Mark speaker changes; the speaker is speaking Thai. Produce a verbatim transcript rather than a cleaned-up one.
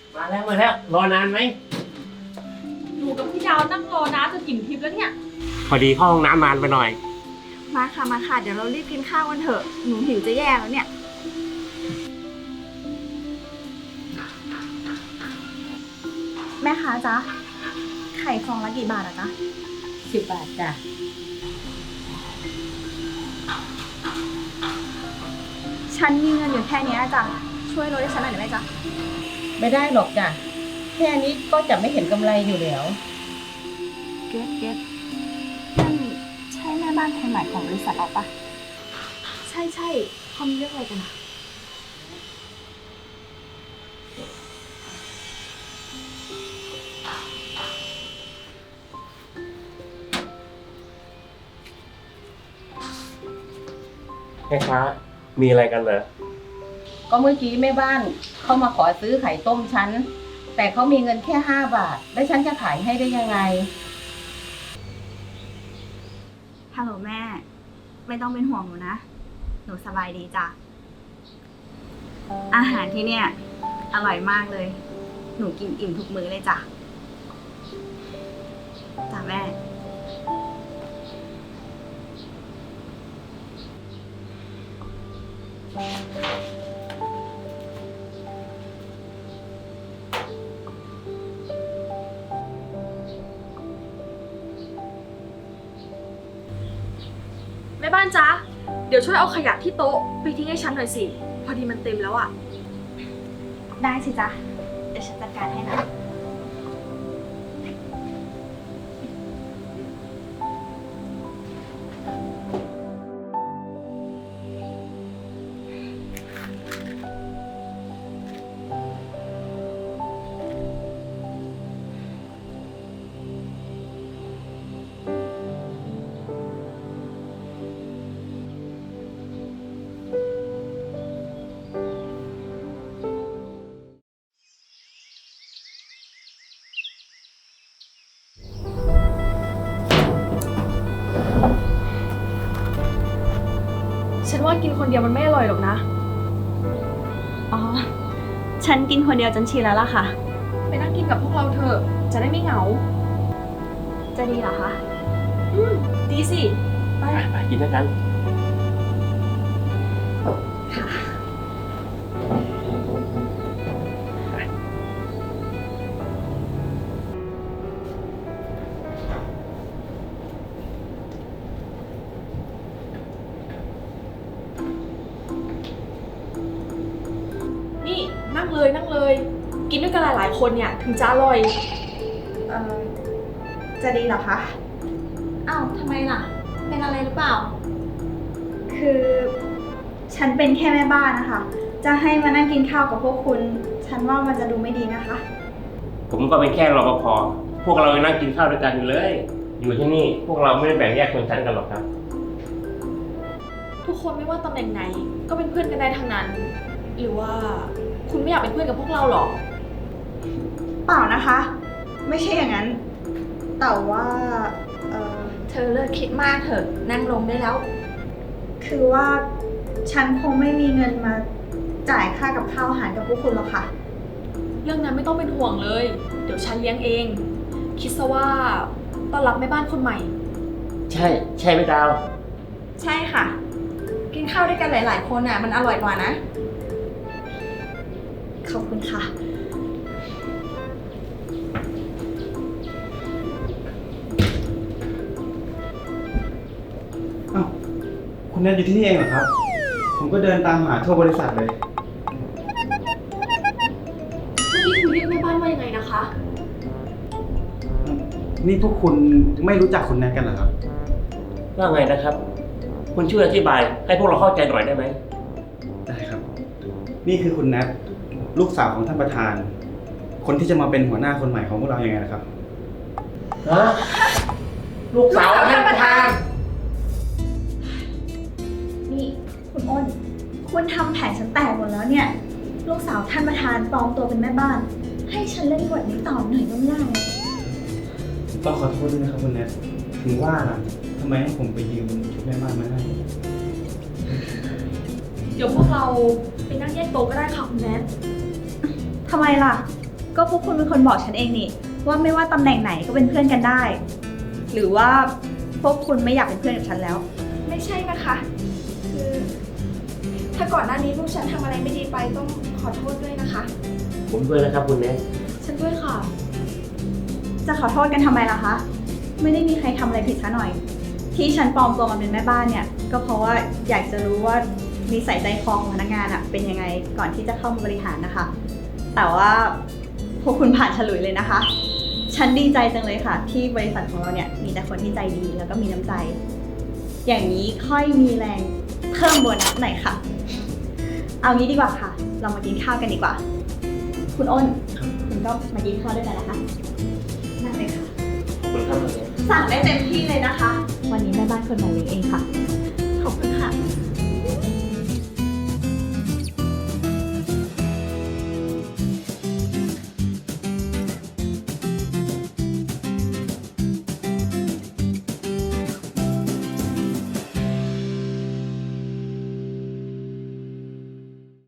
Speaker 1: มาแล้วมาแล้วรอนานไหม
Speaker 2: หนูกับพี่ดาวนั่งรอนะจนอิ่มทิพย์แล้วเนี่ย
Speaker 1: พอดีเข้าห้องน้ำนานไปหน่อย
Speaker 3: มาค่ะมาค่ะเดี๋ยวเรารีบกินข้าวกันเถอะหนูหิวจะแย่แล้วเนี่ยแม่ค้าจ๊ะไข่ฟองละกี่บาทอะจ๊ะ
Speaker 2: สิบบาทจ้ะ
Speaker 3: ฉันมีเงินอยู่แค่นี้จ้ะช่วยลดให้ฉันหน่อยได้ไหมจ๊ะ
Speaker 4: ไม่ได้หรอกจ้ะแค่นี้ก็จะไม่เห็นกำไรอยู่แล้ว
Speaker 3: เก็ตเก็ตนั่นใช่แม่บ้านคนใหม่ของบริษัทเราปะใช่ใช่เขามีเรื่องอะไรกันอะ
Speaker 1: แม่ค้ามีอะไรกันเหรอ
Speaker 4: ก็เมื่อกี้แม่บ้านเขามาขอซื้อไข่ต้มฉันแต่เขามีเงินแค่ห้าบาท แล้วฉันจะขายให้ได้ยังไง
Speaker 3: ฮัลโหลแม่ ไม่ต้องเป็นห่วงหนูนะ หนูสบายดีจ้ะอาหารที่เนี่ย อร่อยมากเลย หนูกินอิ่มทุกมื้อเลยจ้ะจ้ะแม่
Speaker 2: แม่บ้านจ๊ะเดี๋ยวช่วยเอาขยะที่โต๊ะไปทิ้งให้ฉันหน่อยสิพอดีมันเต็มแล้วอ่ะ
Speaker 3: ได้สิจ๊ะ เดี๋ยวฉันจัดการให้นะ
Speaker 2: ฉันว่ากินคนเดียวมันไม่อร่อยหรอกนะ
Speaker 3: อ๋อ ฉันกินคนเดียวจนชินแล้วล่ะค่ะ
Speaker 2: ไปนั่งกินกับพวกเราเถอะจะได้ไม่เหงา
Speaker 3: จะดีเหรอคะ
Speaker 2: อืมดีสิไป
Speaker 1: ไปไปกินด้วยกัน
Speaker 2: นี่นั่งเลยนั่งเลย กินด้วยกันหลายๆคนเนี่ยถึงจะอร่อย
Speaker 3: เอ่อ จะดีเหรอคะ อ้าวทำไมล่ะ เป็นอะไรหรือเปล่า คือฉันเป็นแค่แม่บ้านนะคะ จะให้มานั่งกินข้าวกับพวกคุณ ฉันว่ามันจะดูไม่ดีนะคะ
Speaker 1: ผมก็เป็นแค่รปภพวกเรายังนั่งกินข้าวด้วยกันอยู่เลย อยู่ที่นี่พวกเราไม่ได้แบ่งแยกชนชั้นกันหรอกครับ
Speaker 2: ทุกคนไม่ว่าตำแหน่งไหนก็เป็นเพื่อนกันได้ทั้งนั้น หรือว่าคุณไม่อยากเป็นเพื่อนกับพวกเราหรอ
Speaker 3: เปล่านะคะ ไม่ใช่อย่างนั้น แต่ว่า เอ่อ
Speaker 2: เธอเลิกคิดมากเถอะนั่งลงได้แล้ว
Speaker 3: คือว่าฉันคงไม่มีเงินมาจ่ายค่ากับข้าวอาหารกับพวกคุณหรอกค่ะ
Speaker 2: เรื่องนั้นไม่ต้องเป็นห่วงเลย เดี๋ยวฉันเลี้ยงเอง คิดซะว่าต้อนรับแม่บ้านคนใหม่
Speaker 1: ใช่ใช่ไหมดาว
Speaker 3: ใช่ค่ะ กินข้าวด้วยกันหลาย ๆ คนอ่ะ มันอร่อยกว่านะ ขอบคุณค่ะ
Speaker 5: อ้าวคุณแนทอยู่ที่นี่เองเหรอครับ ผมก็เดินตามหาทั่วบริษัทเลย
Speaker 2: เมื่อกี้คุณเรียกแม่บ้านว่ายังไงนะคะ
Speaker 5: นี่พวกคุณไม่รู้จักคุณแนทกันเหรอครับ
Speaker 1: ว่าไงนะครับ คุณช่วยอธิบายให้พวกเราเข้าใจหน่อยได้ไหม
Speaker 5: ได้ครับ นี่คือคุณแนทลูกสาวของท่านประธาน คนที่จะมาเป็นหัวหน้าคนใหม่ของพวกเรายังไงนะครับ
Speaker 1: ฮะ ลูกสาวท่านประธาน
Speaker 3: นี่คุณอ้น คุณทำแผนฉันแตกหมดแล้วเนี่ย ลูกสาวท่านประธานปลอมตัวเป็นแม่บ้าน ให้ฉันเล่นบทนี้ต่อหน่อยก็ไม่ได้
Speaker 5: ต้องขอโทษด้วยนะครับคุณแนทถึงว่าล่ะทำไมให้ผมไปยืมชุดแม่บ้านมาให้
Speaker 2: เดี๋ยวพวกเราไปนั่งแยกโต๊ะก็ได้ค่ะคุณแนท
Speaker 3: ทำไมล่ะก็พวกคุณเป็นคนบอกฉันเองนี่ว่าไม่ว่าตำแหน่งไหนก็เป็นเพื่อนกันได้ หรือว่าพวกคุณไม่อยากเป็นเพื่อนกับฉันแล้ว
Speaker 2: ไม่ใช่นะคะ คือถ้าก่อนหน้านี้พวกฉันทำอะไรไม่ดีไปต้องขอโทษด้วยนะคะ
Speaker 1: ผมด้วยนะครับคุณเนท
Speaker 2: ฉันด้วยค่ะ
Speaker 3: จะขอโทษกันทำไมล่ะคะ ไม่ได้มีใครทำอะไรผิดซะหน่อย ที่ฉันปลอมตัวมาเป็นแม่บ้านเนี่ย ก็เพราะว่าอยากจะรู้ว่านิสัยใจคอของพนักงานอะเป็นยังไงก่อนที่จะเข้ามาบริหารนะคะ แต่ว่าพวกคุณผ่านฉลุยเลยนะคะ ฉันดีใจจังเลยค่ะ ที่บริษัทของเราเนี่ยมีแต่คนที่ใจดีแล้วก็มีน้ำใจ อย่างนี้ค่อยมีแรงเพิ่มโบนัสหน่อยค่ะ เอางี้ดีกว่าค่ะ เรามากินข้าวกันดีกว่า คุณอ้นคุณก็มากินข้าวด้วยกันนะคะนั่งเลยค่ะ
Speaker 1: ขอบคุณครับคุณเนท
Speaker 3: สั่งได้เต็มที่เลยนะคะ วันนี้แม่บ้านคนใหม่เลี้ยงเองค่ะ
Speaker 2: ขอบคุณค่ะ